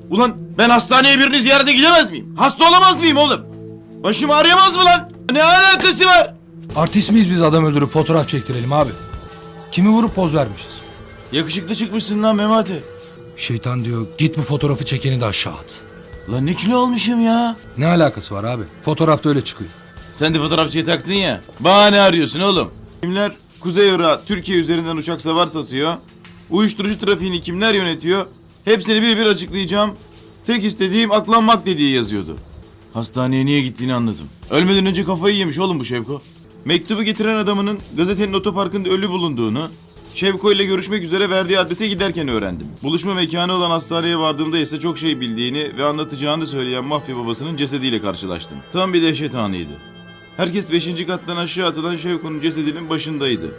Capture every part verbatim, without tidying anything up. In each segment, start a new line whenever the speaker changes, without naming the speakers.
Ulan ben hastaneye birini ziyarete gidemez miyim? Hasta olamaz mıyım oğlum? Başım ağrıyamaz mı lan? Ne alakası var?
Artist miyiz biz adam öldürüp fotoğraf çektirelim abi? Kimi vurup poz vermişiz?
Yakışıklı çıkmışsın lan Memati.
Şeytan diyor git bu fotoğrafı çekeni de aşağı at.
Lan ne kilo almışım ya?
Ne alakası var abi? Fotoğrafta öyle çıkıyor.
Sen de fotoğrafçıyı taktın ya. Bahane arıyorsun oğlum. Kimler Kuzey Irak'a Türkiye üzerinden uçak savar satıyor? Uyuşturucu trafiğini kimler yönetiyor? Hepsini bir bir açıklayacağım. Tek istediğim aklanmak dediği yazıyordu. Hastaneye niye gittiğini anladım. Ölmeden önce kafayı yemiş oğlum bu Şevko. Mektubu getiren adamının gazetenin otoparkında ölü bulunduğunu, Şevko ile görüşmek üzere verdiği adrese giderken öğrendim. Buluşma mekanı olan hastaneye vardığımda ise çok şey bildiğini ve anlatacağını söyleyen mafya babasının cesediyle karşılaştım. Tam bir dehşet anıydı. Herkes beşinci kattan aşağı atılan Şevko'nun cesedinin başındaydı.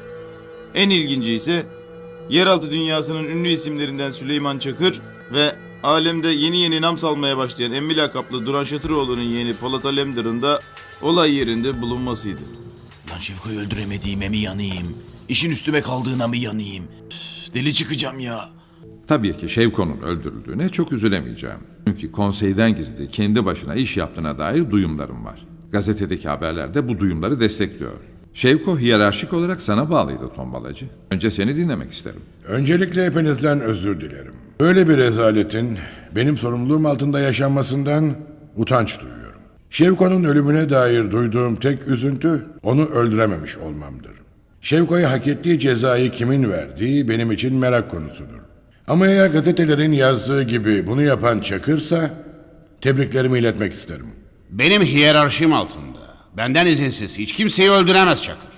En ilginci ise yeraltı dünyasının ünlü isimlerinden Süleyman Çakır ve alemde yeni yeni nam salmaya başlayan emmi lakaplı Duran Şatıroğlu'nun yeğeni Polat Alemdar'ın da olay yerinde bulunmasıydı. Lan Şevko'yu öldüremediğime mi yanayım? İşin üstüme kaldığına mı yanayım? Üf, deli çıkacağım ya.
Tabii ki Şevko'nun öldürüldüğüne çok üzülemeyeceğim. Çünkü konseyden gizli kendi başına iş yaptığına dair duyumlarım var. Gazetedeki haberler de bu duyumları destekliyor. Şevko hiyerarşik olarak sana bağlıydı tombalacı. Önce seni dinlemek isterim.
Öncelikle hepinizden özür dilerim. Böyle bir rezaletin benim sorumluluğum altında yaşanmasından utanç duyuyorum. Şevko'nun ölümüne dair duyduğum tek üzüntü onu öldürememiş olmamdır. Şevko'ya hak ettiği cezayı kimin verdiği benim için merak konusudur. Ama eğer gazetelerin yazdığı gibi bunu yapan Çakır'sa tebriklerimi iletmek isterim.
Benim hiyerarşim altında. Benden izinsiz hiç kimseyi öldüremez Çakır.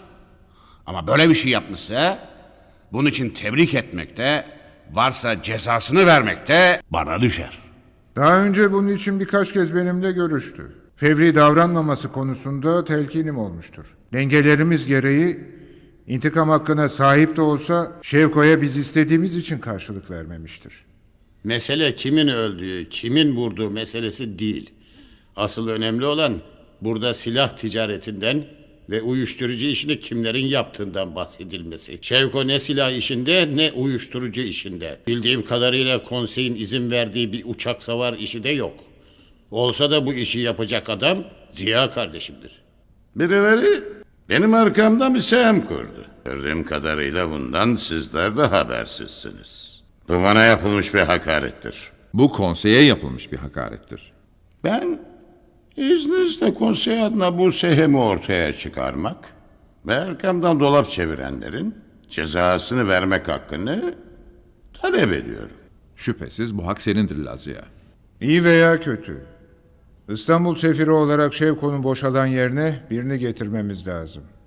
Ama böyle bir şey yapmışsa bunun için tebrik etmekte, varsa cezasını vermekte bana düşer.
Daha önce bunun için birkaç kez benimle görüştü. Fevri davranmaması konusunda telkinim olmuştur. Dengelerimiz gereği intikam hakkına sahip de olsa Şevko'ya biz istediğimiz için karşılık vermemiştir.
Mesele kimin öldüğü, kimin vurduğu meselesi değil. Asıl önemli olan burada silah ticaretinden ve uyuşturucu işini kimlerin yaptığından bahsedilmesi. Şevko ne silah işinde ne uyuşturucu işinde. Bildiğim kadarıyla konseyin izin verdiği bir uçak savar işi de yok. Olsa da bu işi yapacak adam Ziya kardeşimdir.
Birileri benim arkamda bir sehem kurdu. Gördüğüm kadarıyla bundan sizler de habersizsiniz. Bu bana yapılmış bir hakarettir.
Bu konseye yapılmış bir hakarettir.
Ben izninizle konsey adına bu sehemi ortaya çıkarmak ve arkamdan dolap çevirenlerin cezasını vermek hakkını talep ediyorum.
Şüphesiz bu hak senindir Lazia.
İyi veya kötü. İstanbul sefiri olarak Şevko'nun boşalan yerine birini getirmemiz lazım.